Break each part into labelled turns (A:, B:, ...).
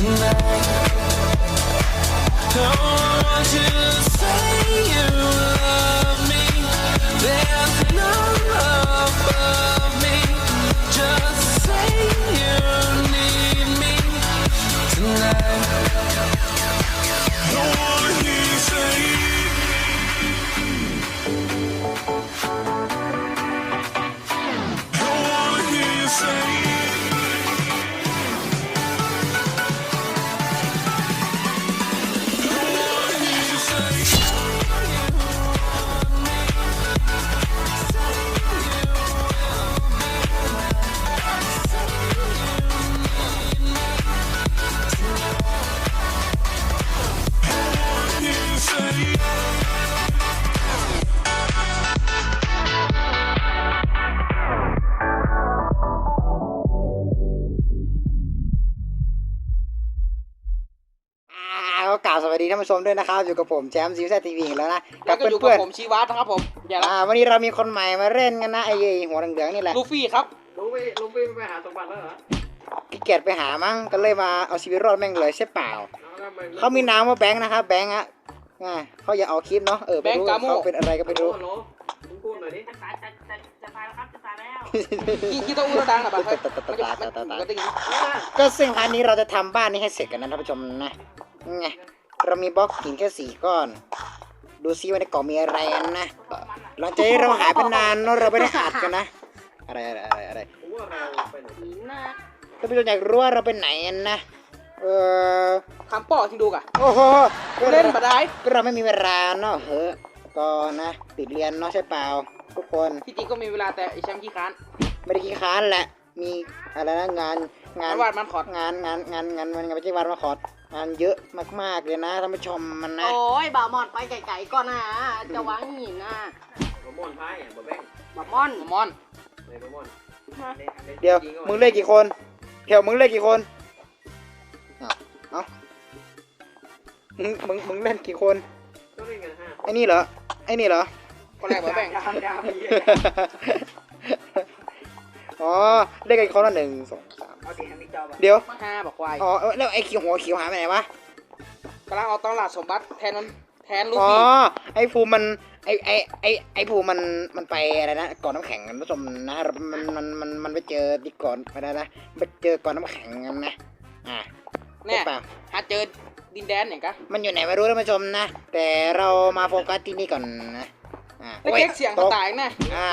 A: Don't want you to say you love me. There's no love above me. Just say you need me tonight. Don't wanna hear you say. Don't wanna hear you say.
B: ก็กล่าวสวัสดีท่านผู้ชมด้วยนะครับอยู่กับผมแชมป์ซีวีทีวีแล้วนะ
C: แล้วก็อยู่กับผมชีวัตนะครับผมอย่าละ
B: วันนี้เรามีคนใหม่มาเล่นกันนะไอ้หัวเหลืองๆนี่แหละ
C: ลูฟี่ครับ
D: ลุงพี่ไปหาสมบัติแล้วเหรอ
B: ขี้เกียจไปหามั้งก็เลยมาเอาชีวิตรอดแม่งเลยใช่เปล่า
D: แล้วทำไม
B: เขามีนามว่าแบงค์นะครับแบงค์อะเขาอย่าเอาคลิปเนาะไปรู้เขาเป็นอะไรก็ไม่รู้
D: ฮัลโหลลุงพูดหน่อยดิ
E: จะตายแล้วครับจะตายแล้ว
C: กี่ตัวอูดังนะบ้างมันก็ได้ยิน
B: ก็ซึ่งพาร์ทนี้เราจะทำบ้านนี้ให้เสร็จกันนะท่านผู้ชมนะไงเรามีบล็อกหินแค่4 ก้อนดูซิว่าในกล่องมีอะไรนะหลังจากที่เราหายไปนานเนาะเราไม่ได้อัดกันนะอะไร
D: ผมว่าเราไปไหน
E: หินนะ
B: ท่านผู้ชมอยากรู้ว่าเราไปไหนกันนะ
C: คำป้อที่ดูกะ
B: โอ้โห
C: เล่นมาได้
B: ก็เราไม่มีเวลาเนาะก็นะติดเรียนเนาะใช่เปล่าทุกคน
C: ที่จริงก็มีเวลาแต่ไอแชมป์ขี้ค้าน
B: ไม่ได้ขี้ค้านแหละมีอะไรนะงาน
C: วาดมันขอด
B: งานมันไม่ใช่วาดมาขอดงานเยอะมากๆเลยนะท่านผู้ชมมันนะ
E: โอ้ยบ่าวมอนไปไกลๆก่อนนะจะวางหินนะ
D: บะม่อนพายอ่ะบะแบ้ง
E: บ่าวมอน
C: มอน
D: ในบะม่อน
B: เดี๋ยวมึงเล่นกี่คนเดี๋ยวมึงเล่นกี่คนเอามึงเล่นกี่คน
D: ก็เล่นกัน5
B: ไอ้นี่เหรอ
C: คนแรกมาแบ่ง
D: ดาวพี่
B: อ๋อเล่นกันคนละ1 2 3
D: เอาสีทางนี้จอป่ะ
B: เดี๋ยว
C: 5บอกควาย
B: อ๋อแล้วไอ้หัวเขียวหายไปไหนวะ
C: กำลังเอาตลาดสมบัติแทนลู
B: อ๋อ
C: ฟี่
B: ไอ้ภูมิมันไอ้ภูมิมันไปอะไรนะก่อนน้ำแข็งกันผู้ชมนะมันไปเจอที่ก่อนอะไรนะไปเจอก่อนน้ำแข็งกันนะ
C: เนี่ย
B: ใช่เปล่า
C: หาเจอดินแดนอย่างกะ
B: มันอยู่ไหนไม่รู้ท่านผู้ชมนะ แต่เรามาโฟกัสที่นี่ก่อนนะ
C: แล้วเก๊กเสียงก็ตายนะ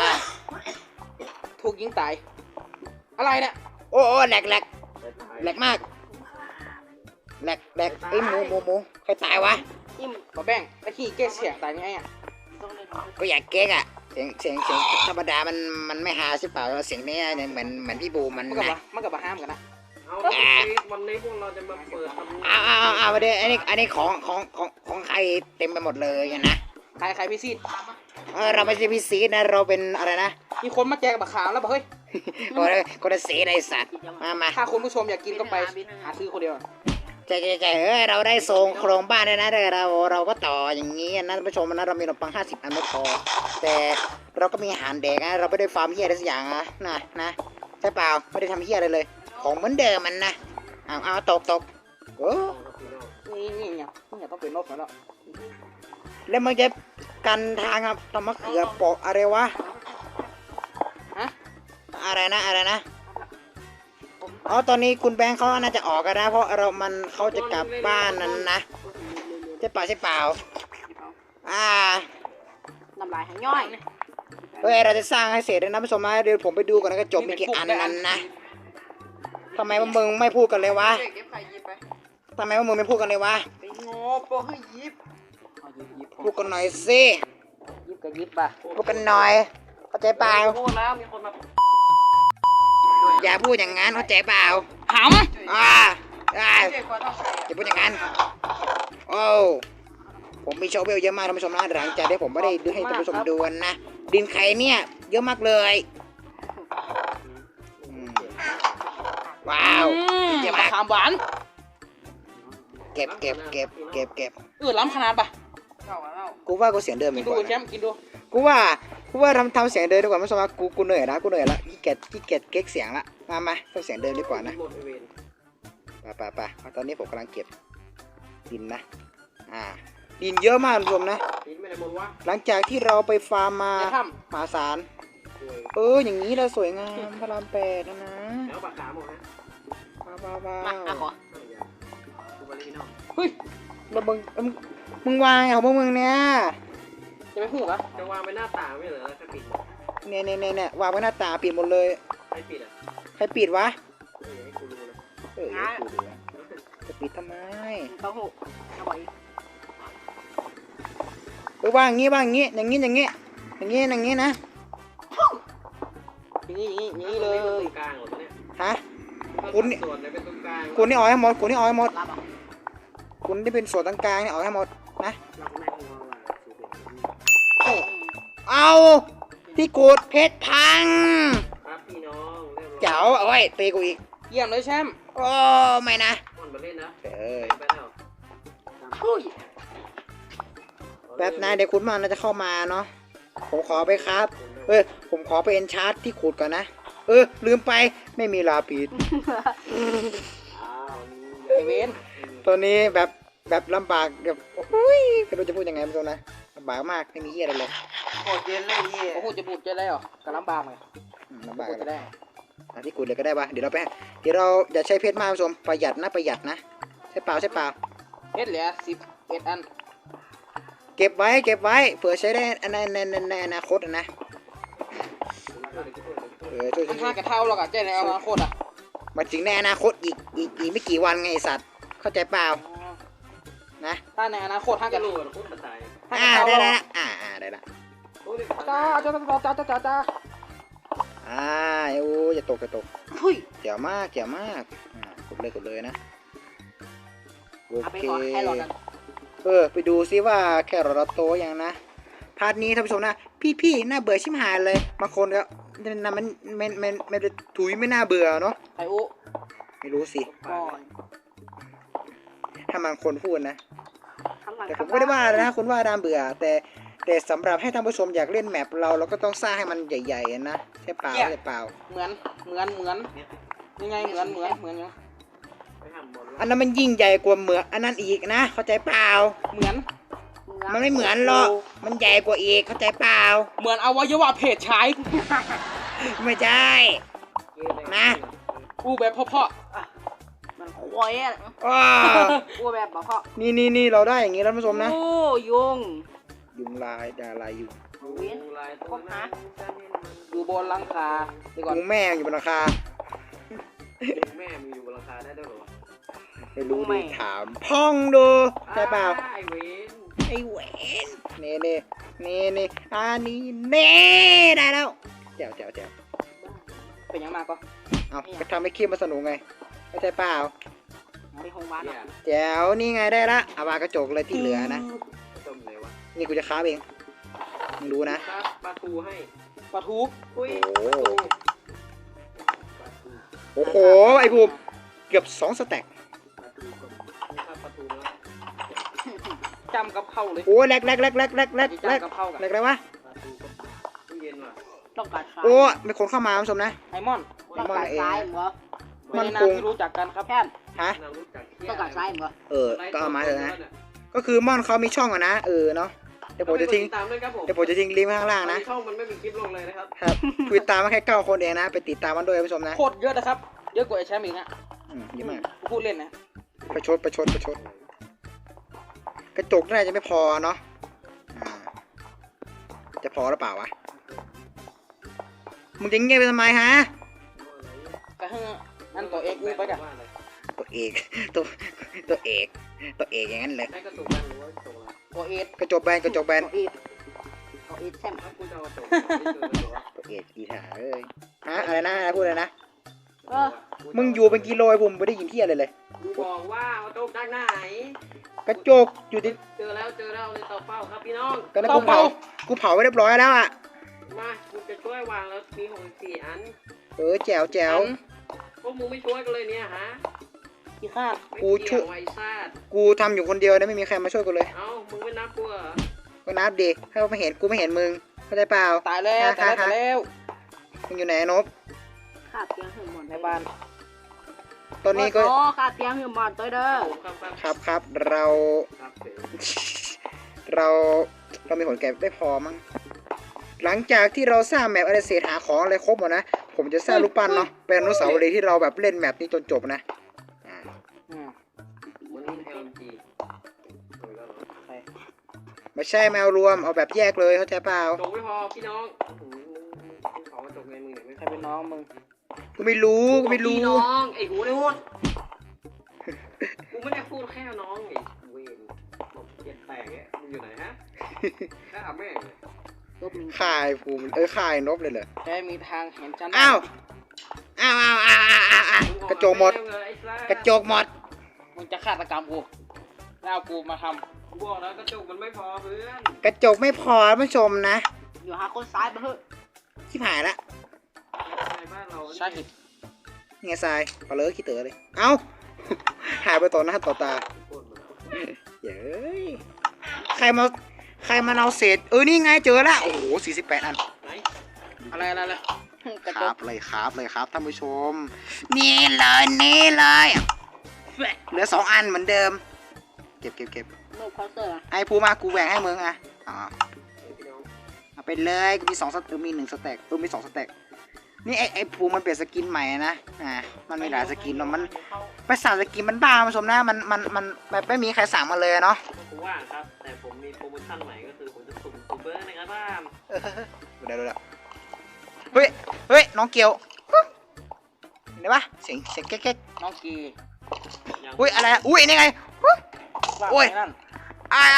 C: ถูกยิงตายอะไรเนี่ย
B: โอ้แหลกมากแหลกไอ้หมูใครตายวะ
E: อิ่ม
C: มาแบ่งแล้วขี้เก๊กเสียงตายไงอ่ะ
E: ตรงนี้
B: ก็อยากเก๊กอ่ะเสียงธรรมดามันไม่ฮาใช่เปล่าเสียงนี้เนี่ยเหมือนพี่บูมัน
C: มันกับ
B: นะ
C: ห้ามกันนะ
D: เอาวันนี้พวกเราจะมาเปิดทำ
B: เอาไปเดี๋ยวอันนี้ของใครเต็มไปหมดเลยนะ
C: ใครพี่ซีด
B: เราไม่ใช่พี่ซีดนะเราเป็นอะไรนะ
C: มีคนมาแจกบักขามแล้วบอกเฮ้ย
B: คนละสีในสัตว์มา
C: ถ้าคุณผู้ชมอยากกินก็ไปหาซื้อคนเดียว
B: ใจเราได้ทรงโครงบ้านเลยนะแต่เราก็ต่ออย่างนี้นะท่านผู้ชมนะเรามีขนมปัง50 อันไม่พอแต่เราก็มีอาหารเด็กนะเราไม่ได้ฟาร์มเฮียอะไรสักอย่างนะใช่เปล่าไม่ได้ทำเฮียอะไรเลยของเหมือนเดิมมันนะเอาตกโอ้
C: นี่อย่าต้องเป็นนกแล้ว
B: แล้วมันจะกันทางครับทำมะเขือเปาะอะไรวะ
C: ฮะ
B: อะไรนะอ๋อตอนนี้คุณแบงค์เขาน่าจะออกกันนะเพราะเขาจะกลับบ้านนั้นนะใช่เปล่า
E: น้ำลายหางย่อย
B: เราจะสร้างให้เสร็จนะผู้ชมนะเดี๋ยวผมไปดูก่อนนะก็จบมีกี่อันนั้นนะทำไมว่ามึงไม่พูดกันเลยวะ
E: เก็บไข่ยิบไป
B: ทำไมว่ามึงไม่พูดกันเลยวะ
E: ไปงอปอให้ยิบ
B: พูดกันหน่อยสิ
C: ยิบกับยิบป่ะ
B: พูดกันหน่อยเข้าใจเปล่า
D: พูดแล้วมีคนมา
B: อย่าพูดอย่างนั้นเข้าใจเปล่า
C: หำ
B: อย่าพูดอย่างนั้นโอ้ผมมีโชว์เวลเยอะมากท่านผู้ชมนะหลังจากที่ผมไม่ได้ดูให้ท่านผู้ชมดูนะดินไข่เนี่ยเยอะมากเลยว้าวเยอะมาก
C: ขามหวาน
B: เก็บ
C: ล้ำขนาดป่ะ
B: กูว่ากูเสียงเดิม
C: กิ
B: ดี
C: น
B: ก
C: ดู
B: ว่า
C: แชมป์กินดู
B: กูว่าทำเสียงเดิมดีกว่าท่านผู้ชมนะกูเหนื่อยละขี้เกียจเก๊กเสียงละมาทำเสียงเดิมดีกว่านะ
D: หมดเวร
B: ไปตอนนี้ผมกำลังเก็บดินนะดินเยอะมากคุณผู้ชมนะ
D: หินไม่ได้หมดวะ
B: หลังจากที่เราไปฟาร์มมา
C: จะท
B: มหาศาล
D: สวย
B: อย่างนี้เราสวยงามพระรามแปดนะ
D: แล้วปากขาหมดฮะ
B: ว้า
E: มาอ่ะขอ
D: ดูบริโน
C: ำเฮ้ย
B: แล้วมึงวางไงของพวกมึงเนี่ย
C: จะไม่พูดเหรอ
D: จะวางไปหน้าต่างไม่เหรอแล้วจะปิด
B: เนี่ยวางไว้หน้าตาปิดหมดเลย
D: ไม่ปิดอ่ะ
B: ใครปิดวะ
D: ให้กูรู้นะ
B: กูดูนะจะปิดทำไม
E: เต้าหู้เอาไว้
B: วางอย่างงี้อย่างงี้นะ
C: อย่างนี้
D: ตรงกลางหมดเนี่ย
B: ฮะ
D: ส่วนไหนเป็นตรงกลาง
B: คุณนี่ออกให้หมดคุณนี่ออกให้หมด
E: รับอ่ะ
B: คุณที่เป็นส่วนต่างกลางนี่ออกให้หมดนะ
D: รับแม่งว่า
B: เอาที่กูดเพชรพัง
D: ครับพี่น้องเรียบร้อย
B: เจ๋วเอาไว้ตีกูอีก
C: เยี่ยมเลยแชมป์
B: โอ้ไม่นะ
D: มันมาเล่นนะ
B: ไป
D: ไปแล้ว
E: อุ้ย
B: แป๊บนะเดี๋ยวคุณมันน่าจะเข้ามาเนาะผมขอไปครับผมขอไปเอนชาร์ตที่ขุดก่อนนะลืมไปไม่มีลาปิด
C: ไอเวน
B: ตัวนี้แบบลำบากแบบอุ้ยไม่รู้จะพูดยังไงไม่รู้นะลำบากมากไม่มีเหี้ยอะไรเลย
C: โอ้โหจะบูดจะได้เหรอกับลำบากไหม
B: ลำบาก
C: บูดจะได้
B: ที่ขุดเลยก็ได้ปะเดี๋ยวเราอย่าใช้เพชรมากผู้ชมประหยัดนะใช่เปล่า
C: เพชรเหลือ11 อัน
B: เก็บไว้เผื่อใช้ได้ในอนาคตนะช่วย
C: มันห้ากระเท่าหรอกอะเจ๊ในอนาคตอะ
B: มาถึงในอนาคตอีกไม่กี่วันไงไอ้สัตว์เข้าใจเปล่านะ
C: ถ้าในอนาคตห้าก
D: จะ
C: ระ
D: รู้กันคุ้มตาย
B: ได้ละได้ละ
C: จ้า
B: อย่าตก
E: อุ้ย
B: เจ๋วมากกดเลยนะโอ
E: เอาไป
B: เค
E: ขอแค่หลอดกัน
B: ไปดูซิว่าแค่เราโตยังนะพาร์ทนี้ท่านผู้ชมนะพี่น่าเบื่อชิมหายเลยบางคนก็มันถุยไม่น่าเบื่อเนาะ
C: ไออุ
B: ไม่รู้สิ
E: ก่อน
B: ถ้าบางคนพูดนะ
E: ข้างหลัง
B: แต่ผมก็ไม่ได้ว่านะคุณว่าน่าเบื่อแต่สำหรับให้ท่านผู้ชมอยากเล่นแมปเราก็ต้องสร้างให้มันใหญ่ๆนะใช่เปล่า
C: เหมือนยังไงเหมือนยัง
D: ไปทำบอล
B: อันนั้นมันยิ่งใหญ่กว่าเหมือนอันนั้นอีกนะเข้าใจเปล่า
C: เหมือน
B: มันไม่เหมือนหรอกมันใหญ่กว่าอีกเข้าใจเปล่า
C: เหมือนอวัยวะเพศชาย
B: ไม่ใช่นะ
C: อูแบบเพาะ
E: มันควายอ่ะ
B: อ้อ
E: อ้วแบบบอกพ่อ
B: นี่เราได้อย่างนี้แล้วท่านผู้ชมนะ
E: โอ้ยุง
B: ยุงลายดาลายยุง
D: ลายตัวนั้น
C: ๆอยู่บนหลังคาดีก่อน
B: ยุงแม่อยู่บนราคา
D: แม่มีอยู่บนราคาได้ด้วยหรอ
B: ไม่รู้ดิถามพ่องดูใช่เปล่า
D: ไอเวน
B: ไอ้เวนนี่อันนี้ได้แล้วแจ๋ว
C: เป็นยังมากก็
B: เอาก็ทำให้คลิปมาสนุกไงเข้าใจเปล่า
E: ไปโรงพยาบาล
D: เนี่ย
E: อ่ะ
B: แจ๋วนี่ไงได้ละเอาวางกระจกเลยที่เหลือนะ
D: ต้มเลยวะ
B: นี่กูจะค้าบเองมึงรู้นะ
D: ปลาทูให้
C: ปลาทู
D: อุ้ย
B: โอ้โหไอ้บูมเกือบ2 สแต็ก
D: ปลาทูแล้ว
C: จำกับเข้าเลย
B: โอ้แลก
C: จำกับเข้ากัน
B: แลกอะไรวะ
D: ปลาทูตู้เย็นว่ะ
E: ต้องการซ้าย
B: โอ้มีคนเข้ามาคุณผู้ชมนะ
C: ไอมอน
E: ต้องการซ้ายเหรอ
C: ไม่ได้นามที่รู้จักกันครับ
E: แค่
B: ฮะ
D: เรารู้จัก
E: ต้องการซ้ายเหรอ
B: ก็เอามาเถอะนะก็คือม่อนเขามีช่องอะนะเนาะเดี๋ยวผมจะทิ้ง
D: ตามด้วยครับผม
B: ลิงก์ไว้ข้างล่างนะ
D: ช่องมันไม่มีคลิปลงเลยนะครับ
B: ครับคุยตามมาแค่9 คนเองนะไปติดตามมันด้วยคุณผู้ชมนะ
C: โคตรเยอะนะครับเยอะกว่าไอแชมป์อีกนะ
B: เยอะมาก
C: พูดเล่นนะ
B: ประชดกระจกน่าจะไม่พอเนาะจะพอหรือเปล่าวะมึงจะเงียบไปทำไมฮะ
C: ก็ให้อันตัวเอกอูไปกัน
B: ตัวเอกอย่างนั้นเลย
D: ได้กระตุกกันหรือว่าตก
C: ตัวเอก
B: กระจกแบน
E: เอาอีทแซม
D: ถ้าคุณจะเอาตก
B: ตัวเอกอีถาเอ้ยฮะอะไรนะพูดเลยนะ
E: เออ
B: มึงอยู่เป็นกิโลไอ้ผมไม่ได้ยินที่อะไรเลย
D: บอกว่าเอาตกจากไหน
B: กระจกอยู่ที่
D: เจอแล้วในเตาเฝ้าครับพี่น้อง
B: ก็นั้นกูเผาไว้เรียบร้อยแล้วอ่ะ
D: มาคุณจะช่วยวางแล้วมี64อัน
B: แจ๋ว
D: พวกมึงไม่ช่วยกันเลยเนี่ยฮะ
C: ขี้ข้าด
D: ไม่เกี่ยวไวซาด
B: กูทำอยู่คนเดียวนะไม่มีใครมาช่วยกูเลย
D: เอ้ามึงไม่นับกูเหรอ
B: ก็นับดิถ้าไม่เห็นกูไม่เห็นมึงเข้าใจเปล่า
C: ตายแล้วตายแล้ว
B: มึงอยู่ไหนนบ
E: ขาดเพียงหึ่งหมด
C: ในบ้าน
B: ตอนนี้ก็
E: อ๋อค่าเตียงอยู่บ้านตัวเด้อ
B: ครับเรา
D: ครับเสร็จ
B: เรามีผลแก่ได้พอมั้งหลังจากที่เราสร้างแมปอะไรเศษหาของอะไรครบหมดนะผมจะสร้างรูปปั้นเนาะเป็นอนุสาวรีย์ที่เราแบบเล่นแมปนี้จนจบนะอ่า
D: วันนี้ LMG
B: ไม่ใช่แมวรวมเอาแบบแยกเลยเข้าใจเปล่า
D: จบไม่พอพี่น้องขอมาจบในมือหน่อยไม่
C: ใครเป็นน้องมึง
B: กูไม่รู้กูไม่รู้
D: พี่น้องไอ้หูเนี่ยวนกูไม่ได้พูดแค่น้องไอ้เวนบอกเจ็ดแตกเนี่ยมึงอยู่ไหนฮะแค่อาแม่งเลย
B: ข่ายภูมิข่ายนบเลยเหรอ
C: แกมีทางเห็นฉัน
B: อ้าวกระจกหมดกระจกหมด
C: มึงจะฆาตกรรมกูแล้วเอากูมาท
D: กูบอกแล้วกระจกมันไม่พอเพื่อน
B: กระจกไม่พอท่านผู้ชมนะ
E: อยู่หาคนซ้ายไปเถอะ
B: ที่ผ่านละ
D: ในบ้านเรา
C: ำใช่หิบ
B: นี่ไงทรายพอเลอะขี้เต๋อเลยเอ้า หายไปต่อหน้าต่อตาเย้ยใครมาเอาเศษนี่ไงเจอละโอ้โห48 อัน
D: ไหน
C: อะไรกระ
B: ค
C: จ
B: รั
C: ก
B: บเลยครับท่านผู้ชม นี่เลยเหลือ2 อันเหมือนเดิม เก็บ
E: โน้ตเคาน์เตอร์
B: ไอ้ภูมากูแบ่งให้มึงอ่ะอ๋อ
D: พี่น้อง
B: เอาไปเลยกูมี2 สแต็กมี1 สแต็กมี2 สแต็กนี่ไอ้ภูมันเปลี่ยนสกินใหม่นะมันมีหลายสกินเนาะมันไปสั่งสกินมันบ้าผู้ชมนะมันแบบไม่มีใครสั่งมาเลยเนาะ
D: ผมว่างครับ แต่ผมมีโปรโมชั่นใหม่ก็คือผมจะสุ่มซูเปอร์นะครับบ้าน
B: ดูแล้วเฮ้ยน้องเกียวเห็นไหมปะเสียงแก๊ก
C: น้องกี
B: ๆอุ้ยอะไรอุ้ยนี่ไง
C: ว่า
B: โอ้ย
C: ไงนั่น
B: อ้าย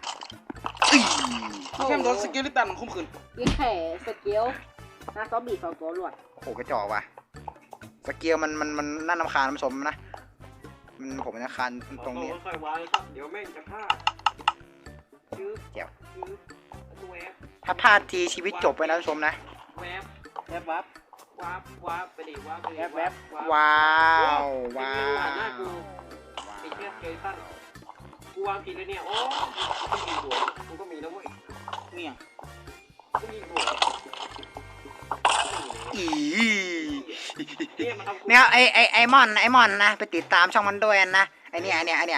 C: เข้มโดนสกิลลิตันคุ้มขืน
E: ยิงแข่สเกิลนะซอมบี้2 ตัวรวด
B: โอ้โหกระจอกว่ะสเกียวมันน่ารำคาญผู้ชมนะผมจะคานตรงนี้
D: ค่อยๆวางครับ เดี๋ยวแม่งจะพลาดชื่อ
B: เดี๋ยว
D: ชื่อแวบ
B: ถ้าพลาดทีชีวิตจบไปนะผู้ชมนะ
D: แวบ
C: แวบวับ
D: วาบไปดิวาบไปดิ
C: แวบ
B: ว้าว
D: ว้า
B: ว้าว
D: หน้ากูไอ้เชี่ยเกยสั้นกูวางผิดเลยเนี่ยโอ้กูมีหัวกูก็มีแล้วเว้ย
C: เนี่ย
D: กูมีหัว
B: อี
D: เนี่ยมันทำกู
B: เนี่ยไอมอนนะไปติดตามช่องมันด้วยนะไอเนี่ย
D: เนี่ยมาม่วงเนี่ย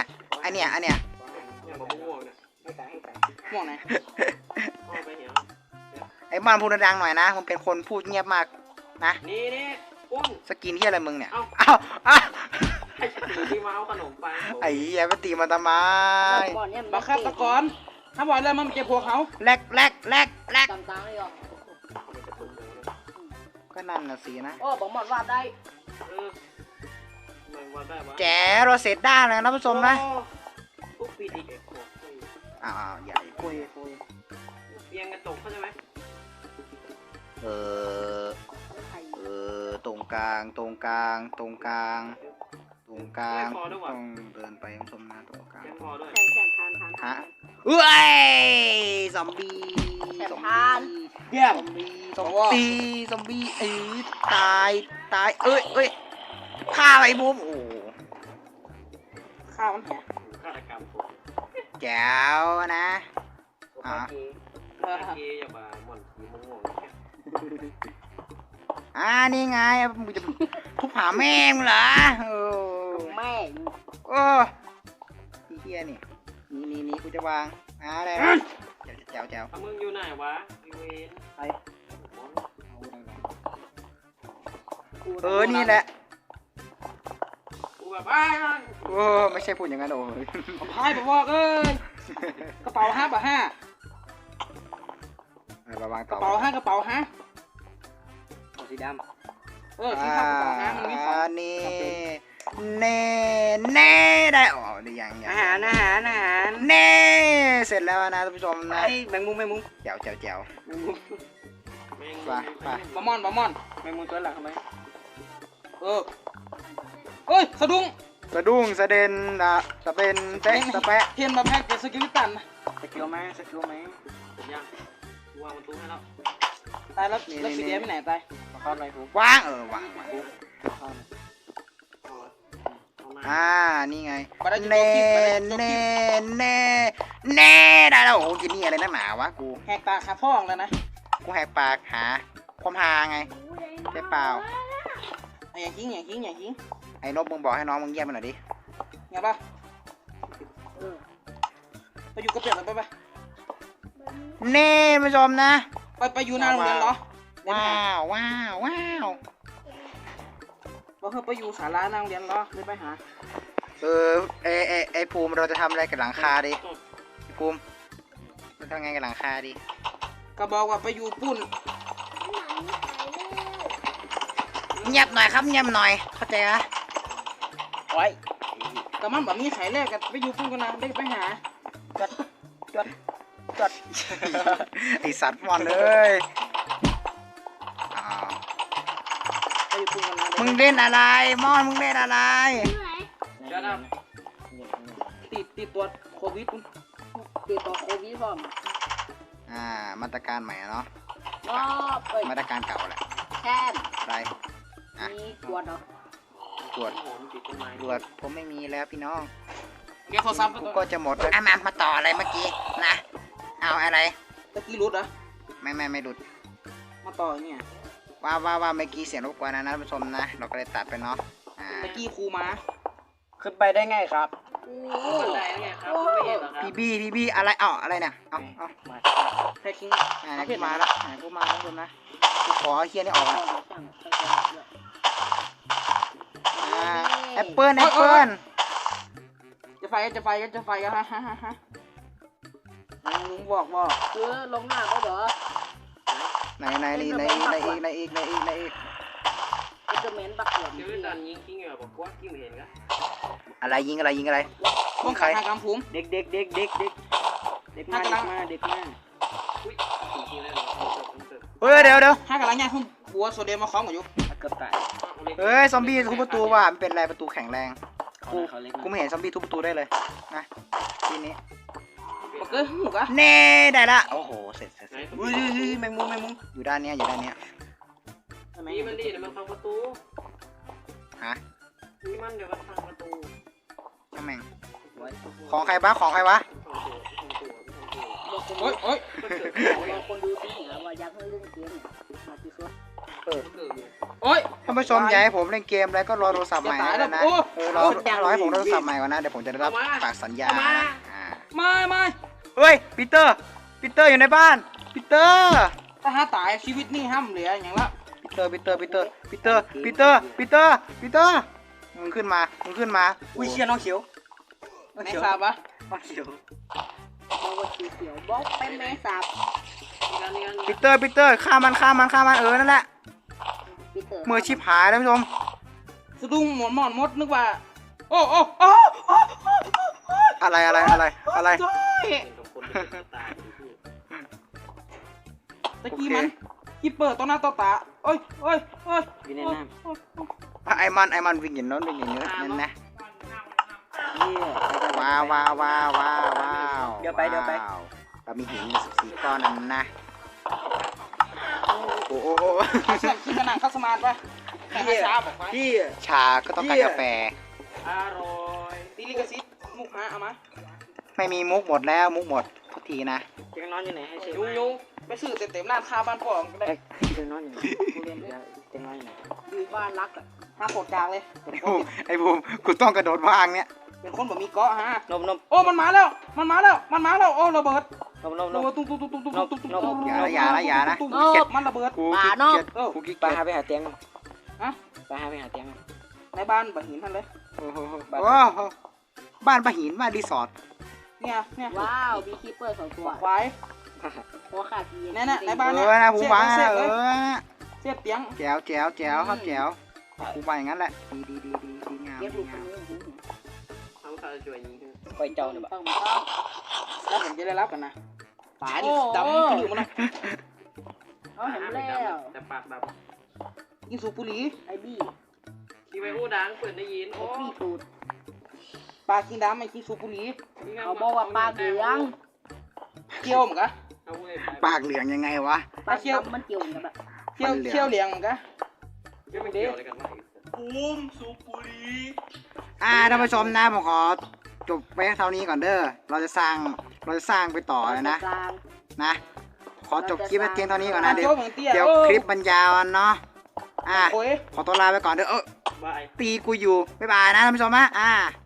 C: ม่วงไหน
D: เอาไปเหี่ยว
B: ไอมอนพูดดังๆหน่อยนะมึงเป็นคนพูดเงียบมากนะ
D: นี่ปุ้น
B: สกินที่อะไรมึงเนี่ย
D: เอ้า
B: อ้าว
D: ให้ฉันถือที่มาเอาขนมไป
B: ไอ้เหี้ยไปตีมาทำไม
E: บอลเนี่ย
C: บักฆาตกรถ้าบอกเลยมันเจ็บพวกเขา
B: แลก
E: ต่างๆเลยอ่ะ
B: ก็นั่นน่ะสินะ
E: โอ้บอกหมดว่าได้
D: มันว่าได้วะ
B: แจ๋เราเสร็จได้แล้วนะผู้ชมนะ
D: ปุ๊บปีดีเอ็กโ
B: อ้าวใหญ่
C: คุย
D: เอียงกระจกเข้าใจไหม
B: ตรงกลางต้องเดินไปผู้ชมนะตรงกลาง
D: ยังพอด้วย
E: แทนทาน
B: ฮะเอ้ยซอมบี้
C: เยี่ยม
B: ซอมบี้ตายเอ้ยฆ่าไอ้บูมโอ้
C: ข้าวมันแหง
D: ฆาตกรรมผม
B: แจ๋วนะ
D: เกียอย่ามาหม่อนสีม่วง
B: นี่ไงมึงจะทุบหาแม่งเหรอ
E: แม่
B: โอ้พี่เฮียนี่กูจะวางอะไรนะแจ๋ว
D: มึงอยู่ไหนวะอีเวน
C: ไป
B: นี่แหละ
D: กูแบบ
B: โอ้ไม่ใช่พูดอย่างนั้นโอ้ย
C: พายบอกเอ้ยกระเป๋า5 บาท
B: มาวาง
C: ก
B: ต่อ
C: ระเป๋า5กระเป๋า5
D: สีดำ
C: สีขาวกระเป๋า5มันมีของ
B: นี่เน่ได้อ๋อหรือยัง
C: อาหาร
B: เน่เสร็จแล้วนะท่านผู้ชมนะ
C: ไอ้แมงมุม
B: แจ๋ว
C: แมงมุม
B: ไป
C: บะม่อนแมงมุมตัวหลังทำไมเอ้ยสะดุ้ง
B: สะดุ้งสะเด็นสะเป็นเต๊ะสะแปะ
C: เทียนมาแพ็กเป็นสกิลตัน
B: สกิลไหม
D: ยังวางประตูให้แล้ว
C: ตายแล้วสีแดงไปไหนตายเข้าอะไรกู
B: วางวาง นี่ไงเน่ได้แล้วโอ้กินนี่อะไรนักหนาวะกู
C: แหกตาคาพ่องแล้วนะ
B: กูแหกปากหาความฮาไงใช่เปล่า
C: อย่าทิ้ง
B: ไอ้นบมึงบอกให้น้องมึงเยี่ยมมันหน่อยดิ
C: ไงป่ะไปอยู่กับเปียกกันไป
B: นี่ท่านผู้ชมนะ
C: ไปอยู่หน้าโรงเรียนเหรอ
B: ว้าวว้าวว้าว
C: บอกเธอไปอยู่ศาลาหน้าโรงเรียนเหรอเลยไปหา
B: ไอภูมิเราจะทำอะไรกับหลังคาดิภูมิเราทำไงกับหลังคาดิ
C: ก็บอกว่าไปอยู่ปุ่น
B: เงียบหน่อยครับเงียบหน่อยเข้าใจไหม
C: โอ้ยแต่มันแบบมีไข่แรกกันไปอยู่ปุ่นกันนะได้ไปหาจด
B: ไอสัตว์มอนเลยอ้าว
C: ไปอยู่ปุ่นกันนะ
B: มึงเล่นอะไรมอนมึงเล่นอะไร
D: เดี๋ยวนะ
C: ติดตัวโควิด
E: ติดต่อโควิดพร้อม
B: มาตรการใหม่เนาะ
E: รอบเอ้ย
B: มาตรการเก่าแหละ
E: แทน
B: อะไรอ่ะ
E: มีกวดเหรอ
B: ตรวจ
D: โหนติดต้นไม้
B: ตรวจผมไม่มีแล้วพี่น้อง
C: เก็บโทรศัพท์
B: กูก็จะหมดแล้วมาต่ออะไรเมื่อกี้นะเอาอะไร
C: ตะกี้รุดเหรอ
B: ไม่หลุด
C: มาต่อเนี่ย
B: ว่าเมื่อกี้เสียงรบกวนนะท่านผู้ชมนะเราก็เลยตัดไปเนาะ
C: ตะกี้ครูมา
F: ขึ้นไปได้ไงครับ
D: บันไดแล้วไงครับไม่เห็นเหรอครับ
B: พี่บี้อะไรอะไรเนี่ยเอา
C: แท็กคิง
B: ไหนกูมาแล้วไหนกูมาแล้วคุณนะกูขอเอาเฮียนี่ออกอ่ะแอปเปิ้ล
C: จะไฟกันฮะลุงบอกว่า
E: คือลงหน้าก็เหรอ
B: ไหนอีก
E: เป็นเดอะเมนบักเหลือม
D: เดี๋ยวดันยิงกิ้งเหรอบอกว่ากิ้งเห็นก็
B: อะไรยิงอะไร
C: ป้องกันทางกำภูมิ
F: เด็กมา
D: อุ้ยจริงๆเลยเหรอ
B: เฮ้ยเดี๋ยว
C: ห้ากำลังย่างขึ้นบัวโซเดียมมาคล้องกันอยู่
F: เกือบตาย
B: เฮ้ยซอมบี้ทุบประตูว่ะมันเป็นอะไรประตูแข็งแรง
F: เขาเล็ก
B: กูไม่เห็นซอมบี้ทุบประตูได้เลยนะทีนี้
C: บอกเกอร์หมูกะ
B: เน่ได้ละโอ้โหเสร็จ
D: ไหน
F: อุ้ยแมงมุม
B: อยู่ด้านเนี้ย
D: นี่มันดีเดี๋ยวมันพังประตู
B: ฮะ
D: นี่มันเดี๋ยวมันพังประตู
B: ช่างแม่งของใครวะ
C: โอ้ย
E: บางคนดูที่เหนือว่าอยากให้เล่นเกมเนี่ยมาที่สุด
C: โอ้ย
B: ท่านผู้ชมอยากให้ผมเล่นเกมแล้วก็รอโทรศัพท์ใหม่นะรอให้ผมโทรศัพท์ใหม่ก่อนนะเดี๋ยวผมจะได้รับปากสัญญานะ
C: ไม่
B: เฮ้ยปีเตอร์อยู่ในบ้านปีเตอร์
C: ถ้าหาตายชีวิตนี่ห้ามเหลืออย่างละ
B: ปีเตอร์มึงขึ้นมา
F: อุ้ยเชียน้องเขียว
C: ในทราบปะ
F: น้องเขียว
E: บอกว่าสีเขียวบอกเป็นแมงสาบ
B: ปีเตอร์ฆ่ามันนั่นแหละ
E: ปีเตอร์
B: มือชิบหายท่านผู้ชม
C: สะดุ้งหมอนมดนึกว่าโอ้
B: อะไร
C: ตะกี้มันกีเปิดต่อหน้าต่อตาโอ้ย
F: อยู่ในน้ำ
B: ไอ้มันวิ่งอย่างโน้นวิ่งอย่างนี้นั่นนะ
F: เยี่ย
B: ว้าว
F: เดี๋ยวไป
B: เรามีหิน14ก้อนนั่นนะโอ้
C: เสียงคิดขนาดเข้าสมาร์ทปะแค่ช้าบอกไป
F: พี่
B: ชาก็ต้องการกาแฟ
C: อร่อยตีลิกซิตมุกฮะเอามา
B: ไม่มีมุกหมดแล้วมุกหมดทุกทีนะ
F: เตียงนอนอยู่ไหนให้เช็ค
C: ยุงไปซื้อเต็มร้านค้าบ้านพ่อก็ได้
F: เตียงนอนอยู่ไหนเตียงนอนอยู่ไหน
E: อยู่บ้านรักอ่ะ
C: ห้าโคตรกลางเลย
B: ไอ้บูมกูต้องกระโดดวางเนี่ย
C: เป็นคนแบบมีเกาะฮะ
F: นม
C: โอ้มันมาแล้วโอ้ระเบิดตุ้ง
B: อย่านะ
C: มันระเบิด
B: กูขี้เกียจกูขี้
F: ไป
B: เกียจ
F: หาไปหาเตียง
C: ฮะ
F: ไปหาเตียง
C: ในบ้านแบบหินท่านเลย
B: โอ้โหบ้านปะหินบ้านรีสอร์ท
C: เนี่ย
E: ว้าวมีคีเปอร์2ตัว
C: ควาย
E: หัวขาดที
C: ในบ้านเนี่ย
B: นะผมวาง
C: เสียบเตียง
B: แจ๋วครับแจ๋วกูไปอย่างนั้นแหละดีงาม
E: เก็บลูกคนนี้
D: เขาจะช่วยยิง
F: คอยเจ้าเนี่ย
E: ต้อง
C: แล้วผมจะได้รับกันนะตายดิดำกระดูกมันนะ
E: เขาเห็นแล้ว
D: แต่ปากแบบ
C: ยิงสูบบุหรี่
E: ไอ้บี้
D: ที่ไปอู้ดังเปิดได้ยิน
E: ไอ้
D: โอ้
E: บี้สูด
C: ปลากินดำไม่กินสูบบุหรี่
E: เขาบอกว่าปลาเหลือง
C: เคี่ยวเหมือนกัน
D: เอาเว้ย
B: ปากเหลืองยังไงวะ
E: ปลาเขียวมันเกี่ยวกันแบบ
C: เคี่ยวเหลียงเหมือนกัน
D: ไม่เกี่ยวอะไรกันวะ
B: ท่านผู้ชมนะผมขอจบไว้เท่านี้ก่อนเด้อเราจะสร้างไปต่อเลยนะขอจบคลิปไว้เพียงเท่านี้ก่อนนะเดี๋ยวคลิปบรรยาวเนาะ
C: โอ้ย
B: ขอตัวลาไปก่อนเด้อ
D: บาย
B: ตีกูอยู่บ๊ายบายนะท่านผู้ชมฮะ